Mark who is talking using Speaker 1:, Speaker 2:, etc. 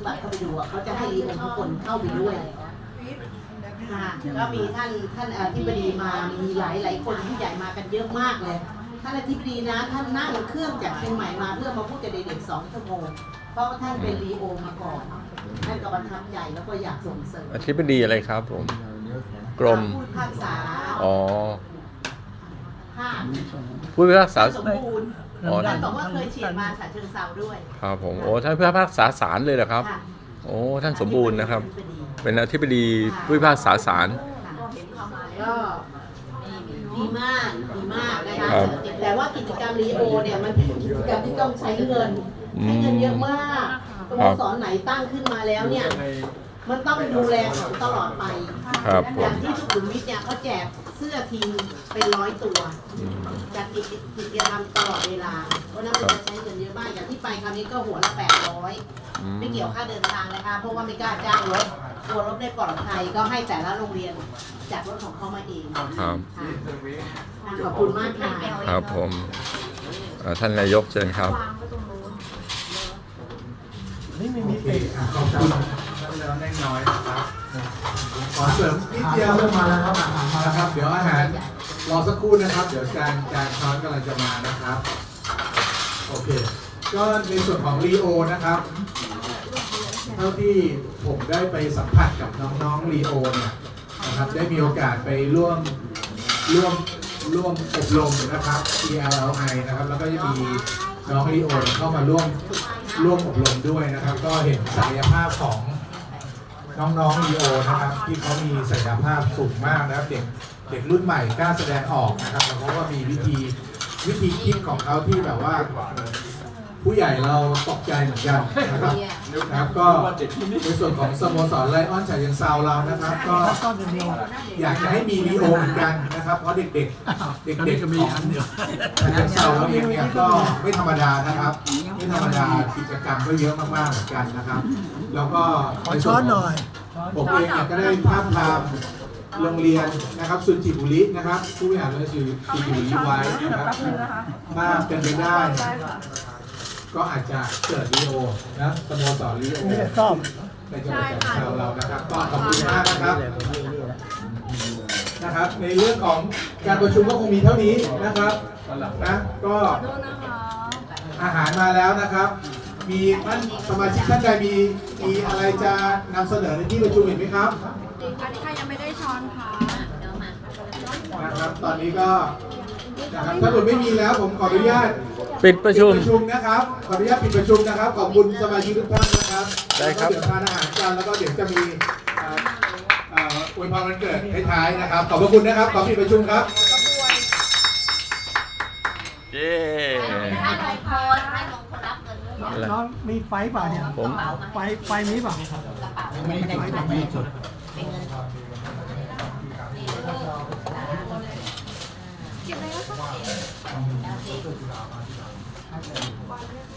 Speaker 1: บัตรเข้าไปดูเขาจะให้รีโอทุกคนเข้าไปด้วยค่ะก็มีท่านอธิบดีมามีหลายคนที่ใหญ่มากันเยอะมากเลยท่านอธิบดีนะท่านนั่งเครื่องจากเชียงใหม่มาเพื่อมาพูดกับเด็กๆ2 ชั่วโมงเพราะว่าท่านเป็นรีโอมาก่อนท่านก็ประทับใจแล้วก็อยากส่งเสริม
Speaker 2: อธิบดีอะไรครับผมกรม
Speaker 1: ผู้พิพากษา
Speaker 2: อ๋อผู้พิพากษา
Speaker 1: สมบูรณ์ท่านบอกว่าเคยเฉียดมาฉะเชิงเทราด้วย
Speaker 2: ครับผมโอ้ท่านผู้พิพากษาศาลเลยเหรอครับโอ้ท่านสมบูรณ์นะครับเป็นอธิบดีผู้พิพากษาศาล
Speaker 1: ก็ดีมากนะคะแต่ว่ากิจกรรมรีโอเนี่ยมันเป็นกิจกรรมที่ต้องใช้เงินเยอะมากสโมสรไหนตั้งขึ้นมาแล้วเนี่ยมันต้องดูแลเขาตลอดไปอย่างที่สุขุมวิทเนี่ยเขาแจกเสื้อทีมเป็น100 ตัวจัดกิจกรรมตลอดเวลาเพราะนั้นมันจะใช้เงินเยอะมากอย่างที่ไปคราวนี้ก็หัวละ800ไม่เกี่ยวค่าเดินทางนะคะเพราะว่าไม่กล้าจ้างรถกลัวรถไม่ปลอดภัยก็ให้แต่ละโรงเรียนจัดรถของเขามาเอง
Speaker 2: ครับ
Speaker 1: ขอบคุณมากค่ะ
Speaker 2: ครับผมท่านนายกเชิญครับ
Speaker 3: นี่มีขอบคุณแล้วแน่น้อยนะครับขอเสริมนิดเดียวมาแล้วครับนะครับเดี๋ยวอาหารรอสักครู่นะครับเดี๋ยวจานช้อนกำลังจะมานะครับโอเคก็ในส่วนของรีโอนะครับเท่าที่ผมได้ไปสัมผัสกับน้องๆรีโอเนี่ยนะครับได้มีโอกาสไปร่วมอบรมนะครับ ELLI นะครับแล้วก็จะมีน้องรีโอเข้ามาร่วมอบรมด้วยนะครับก็เห็นศักยภาพของน้องๆรีโอนะครับที่เขามีศักยภาพสูงมากนะครับเด็กรุ่นใหม่กล้าแสดงออกนะครับเพราะว่ามีวิธีคิดของเขาที่แบบว่าผู้ใหญ่เราตกใจเหมือนกันนะครับก็ในส่วนของสโมสรไลออนฉะเชิงเทราเรานะครับก็อยากจะให้มีรีโอเหมือนกันนะครับเพราะเด็กก็มีอันเดียวฉะเชิงเทราเราเองเนี่ยก็ไม่ธรรมดานะครับไม่ธรรมดากิจกรรมก็เยอะมากๆเหมือนกันนะครับแล้วก็ในส่วนของผมเองเนี่ยก็ได้ภาพทามโรงเรียนนะครับสุนทรีบุรีนะครับผู้บริหารโรงเรียนสุนทรีบุรีไว้นะครับถ้าเป็นไปได้ก็อาจจะเกิดรีโอนะสโมสรรีโอในจังหวัดฉะเชิงเทราเรานะครับก็ขอบคุณมากนะครับในเรื่องของการประชุมก็คงมีเท่านี้นะครับนะก็อาหารมาแล้วนะครับมีท่านสมาชิกท่านใดมีอะไรจะนำเสนอในที่ประชุมเห็นไหมครับ
Speaker 4: อันนี้ค่ะยังไม่ได้ช้อนค่ะ
Speaker 3: นะครับตอนนี้ก็นะครับถ้าหมดไม่มีแล้วผมขออนุญาต
Speaker 2: ปิดประชุม
Speaker 3: นะครับขออนุญาตปิดประชุมนะครับขอบคุณสมาชิกทุกท่านนะครับ
Speaker 2: ได้ครับ
Speaker 3: เดี๋ยวทานอาหารกันแล้วก็เดี๋ยวจะมีอวยพรวันเกิดท้ายๆนะครับขอบพระคุณนะครับขอปิดประชุมครับ
Speaker 2: เย้
Speaker 5: น้องมีไฟเปล่าเนี่ย
Speaker 2: ผม
Speaker 5: ไฟมีเปล่าไม่ได้ไม่สุด
Speaker 4: เก็บไว้แล้วค่ะ